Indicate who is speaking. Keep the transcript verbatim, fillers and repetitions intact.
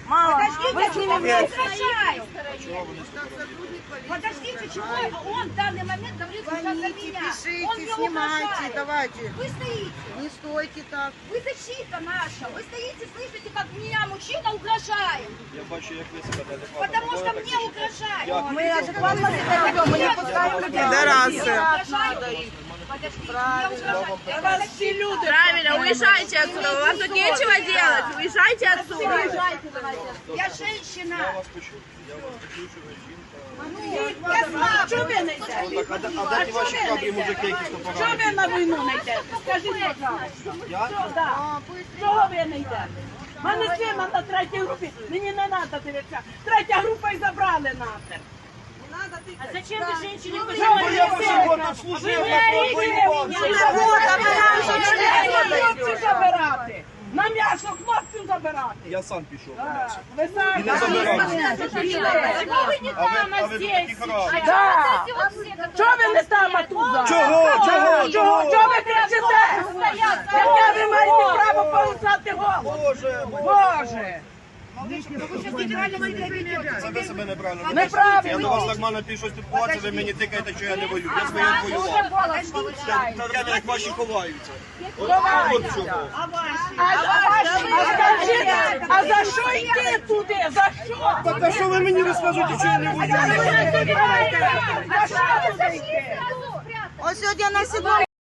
Speaker 1: Мама,
Speaker 2: Подождите, чего вы
Speaker 1: нет.
Speaker 2: угрожаете? Подождите, чего он в данный момент говорит сейчас за
Speaker 3: Звоните,
Speaker 2: меня?
Speaker 3: пишите,
Speaker 2: Он мне
Speaker 3: снимайте,
Speaker 2: угрожает.
Speaker 3: давайте.
Speaker 2: Вы стоите.
Speaker 3: Не стойте так.
Speaker 2: Вы защита наша. Вы стоите, слышите, как меня мужчина угрожает.
Speaker 4: Я бачу, як ви себе неадекватно
Speaker 2: Потому что
Speaker 4: поводите,
Speaker 2: мне
Speaker 4: так
Speaker 2: угрожает.
Speaker 4: Я-
Speaker 1: Мы адекватно себя ведем, мы не пускаем людей.
Speaker 3: Пидорасы.
Speaker 2: Подождите, мне угрожает.
Speaker 1: Вас все люди.
Speaker 5: Правильно, уезжайте отсюда, вам тут нечего делать, уезжайте отсюда.
Speaker 2: Я женщина.
Speaker 4: Я вас почув. Я вас почув, що ви жінка.
Speaker 2: Я слабая.
Speaker 1: Чого ви не йдете?
Speaker 4: Так, а де, а де ті ваші храбрі мужики, які
Speaker 1: Чого
Speaker 4: стопорали?
Speaker 1: ви на війну не йдете? Скажіть, пожалуйста.
Speaker 4: Я?
Speaker 1: Да. Чого ви не йдете? У мене сина на третій групі, мені не треба дивитися. Третя група і забрали нахер.
Speaker 5: А зачем ты женщине
Speaker 4: Бо я ваші год тут служив, я тут воював.
Speaker 1: Хлопців забирати. На м'ясо хлопців забирати.
Speaker 4: Я сам пішов на м'ясо.
Speaker 1: Ви самі.
Speaker 4: І не забирав.
Speaker 5: Почему вы не
Speaker 4: А ви,
Speaker 5: там,
Speaker 4: а
Speaker 5: а
Speaker 4: ви
Speaker 5: здесь?
Speaker 4: такі храбрі.
Speaker 1: Да. Чого ви не там, а тут?
Speaker 4: Чого? Чого?
Speaker 1: Чого? Чого ви кричите? Яке ви маєте право порушати голову?
Speaker 4: Боже,
Speaker 1: Боже!
Speaker 4: це ви себе неправильно ведете.
Speaker 1: Неправильно.
Speaker 4: Я до вас нормально пішов спілкуватися, ви мені тикаєте, що я не воюю. Я своє воював. Це це время, як ваші ховаються. От, от чого.
Speaker 1: А, а, а скажіть, а за що йти туди? За що?
Speaker 4: Так а що ви мені розказуєте, що я не воюю?
Speaker 1: За що туди йти?
Speaker 3: Ось сьогодні на сідо.